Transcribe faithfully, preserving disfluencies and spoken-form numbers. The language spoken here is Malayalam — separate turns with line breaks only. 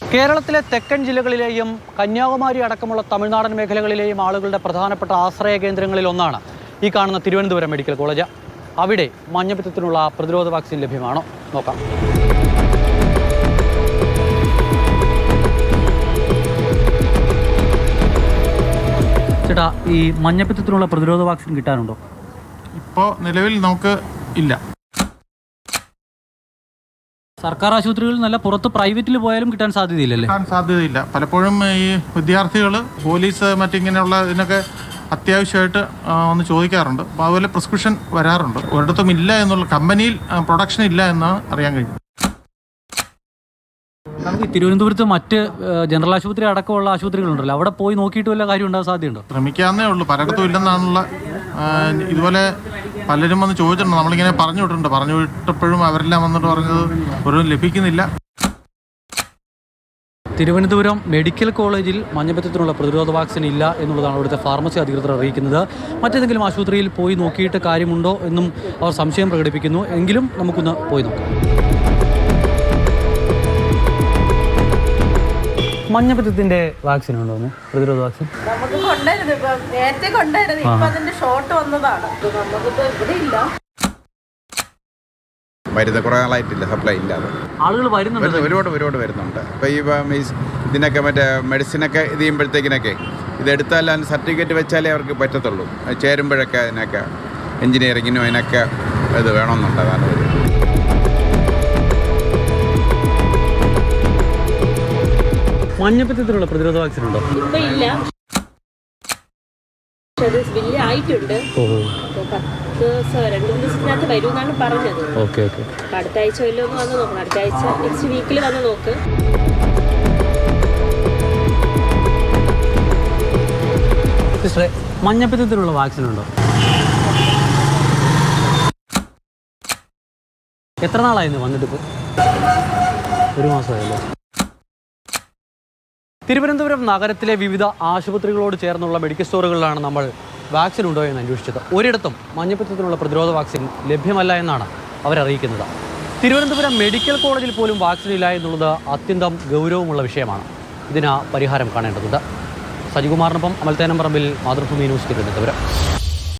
കേരളത്തിലെ തെക്കൻ ജില്ലകളിലെയും കന്യാകുമാരി അടക്കമുള്ള തമിഴ്നാടൻ മേഖലകളിലെയും ആളുകളുടെ പ്രധാനപ്പെട്ട ആശ്രയ കേന്ദ്രങ്ങളിൽ ഒന്നാണ് ഈ കാണുന്ന തിരുവനന്തപുരം മെഡിക്കൽ കോളേജ്. അവിടെ മഞ്ഞപ്പിത്തത്തിനുള്ള പ്രതിരോധ വാക്സിൻ ലഭ്യമാണോ നോക്കാം. ചേട്ടാ, ഈ മഞ്ഞപ്പിത്തത്തിനുള്ള പ്രതിരോധ വാക്സിൻ കിട്ടാനുണ്ടോ?
ഇപ്പോൾ നിലവിൽ നമുക്ക് ഇല്ല.
സർക്കാർ ആശുപത്രികളിൽ നല്ല പുറത്ത് പ്രൈവറ്റിൽ പോയാലും കിട്ടാൻ സാധ്യതയില്ലല്ലേ?
കിട്ടാൻ സാധ്യതയില്ല. പലപ്പോഴും ഈ വിദ്യാർത്ഥികൾ പോലീസ് മറ്റിങ്ങനെയുള്ള ഇതിനൊക്കെ അത്യാവശ്യമായിട്ട് ഒന്ന് ചോദിക്കാറുണ്ട്. അപ്പോൾ അതുപോലെ പ്രിസ്ക്രിപ്ഷൻ വരാറുണ്ട്. ഒരിടത്തും ഇല്ല എന്നുള്ള, കമ്പനിയിൽ പ്രൊഡക്ഷൻ ഇല്ല എന്നാണ് അറിയാൻ കഴിഞ്ഞത്.
നമുക്ക് തിരുവനന്തപുരത്ത് മറ്റ് ജനറൽ ആശുപത്രി അടക്കമുള്ള ആശുപത്രികളുണ്ടല്ലോ, അവിടെ പോയി നോക്കിയിട്ട് വല്ല കാര്യം ഉണ്ടാകാൻ സാധ്യതയുണ്ടോ?
ശ്രമിക്കാവുന്നേ ഉള്ളൂ. പലയിടത്തും ഇല്ലെന്നാണുള്ള. ഇതുപോലെ പലരും വന്ന് ചോദിച്ചിട്ടുണ്ട്. നമ്മളിങ്ങനെ പറഞ്ഞു വിട്ടിട്ടുണ്ട്. പറഞ്ഞു വിട്ടപ്പോഴും അവരെല്ലാം വന്നിട്ട് പറഞ്ഞത് ഒരു ലഭിക്കുന്നില്ല.
തിരുവനന്തപുരം മെഡിക്കൽ കോളേജിൽ മഞ്ഞപ്പിത്തത്തിനുള്ള പ്രതിരോധ വാക്സിൻ ഇല്ല എന്നുള്ളതാണ് അവിടുത്തെ ഫാർമസി അധികൃതർ അറിയിക്കുന്നത്. മറ്റേതെങ്കിലും ആശുപത്രിയിൽ പോയി നോക്കിയിട്ട് കാര്യമുണ്ടോ എന്നും അവർ സംശയം പ്രകടിപ്പിക്കുന്നു. എങ്കിലും നമുക്കൊന്ന് പോയി നോക്കാം. മഞ്ഞപ്പിത്തത്തിന്റെ വാക്സിൻ ഉണ്ടോ? പ്രതിരോധ വാക്സിൻ
നമുക്ക് കൊണ്ടായിരുന്നു. ഇപ്പൊ നേരത്തെ കൊണ്ടായിരുന്നു. ഇപ്പൊ അതിന്റെ ഷോർട്ട് വന്നതാണ്. നമുക്കിപ്പോ ഇവിടെ ഇല്ല.
വരുന്ന കുറേ നാളായിട്ടില്ല, സപ്ലൈ ഇല്ലാതെ
ആളുകൾ വരുന്നുണ്ട്.
ഒരുപാട് ഒരുപാട് വരുന്നുണ്ട്. ഇപ്പോൾ ഈ ഇതിനൊക്കെ മറ്റേ മെഡിസിനൊക്കെ ഇത് ചെയ്യുമ്പോഴത്തേക്കിനൊക്കെ ഇതെടുത്താൽ അതിന് സർട്ടിഫിക്കറ്റ് വെച്ചാലേ അവർക്ക് പറ്റത്തുള്ളൂ. ചേരുമ്പോഴൊക്കെ അതിനൊക്കെ എൻജിനീയറിങ്ങിനും അതിനൊക്കെ ഇത് വേണമെന്നുണ്ട്. അതാണ്
മഞ്ഞപ്പിത്തത്തിനുള്ള പ്രതിരോധ വാക്സിൻ ഉണ്ടോ?
ഇപ്പൊ ഇല്ല. വലിയ ആയിട്ടുണ്ട്. പത്ത് ദിവസം രണ്ടു മൂന്ന് ദിവസത്തിനകത്ത് വരും എന്നാണ് പറഞ്ഞത്.
Okay okay.
അടുത്ത ആഴ്ച വല്ലതും ഒന്ന് വന്ന് നോക്കണം. അടുത്ത ആഴ്ച നെക്സ്റ്റ് വീക്കിൽ വന്ന് നോക്ക്.
സിസ്റ്ററെ, മഞ്ഞപ്പിത്തത്തിനുള്ള വാക്സിൻ ഉണ്ടോ? എത്ര നാളായിരുന്നു വന്നിട്ട്? ഇപ്പോൾ ഒരു മാസമായല്ലോ. തിരുവനന്തപുരം നഗരത്തിലെ വിവിധ ആശുപത്രികളോട് ചേർന്നുള്ള മെഡിക്കൽ സ്റ്റോറുകളിലാണ് നമ്മൾ വാക്സിൻ ഉണ്ടോ എന്ന് അന്വേഷിച്ചത്. ഒരിടത്തും മഞ്ഞപ്പിത്തത്തിനുള്ള പ്രതിരോധ വാക്സിൻ ലഭ്യമല്ല എന്നാണ് അവരറിയിക്കുന്നത്. തിരുവനന്തപുരം മെഡിക്കൽ കോളേജിൽ പോലും വാക്സിൻ ഇല്ല എന്നുള്ളത് അത്യന്തം ഗൗരവമുള്ള വിഷയമാണ്. ഇതിന് പരിഹാരം കാണേണ്ടതുണ്ട്. സജികുമാറിനൊപ്പം അമൽത്തേനം പറമ്പിൽ, മാതൃഭൂമി ന്യൂസ്, തിരുവനന്തപുരം.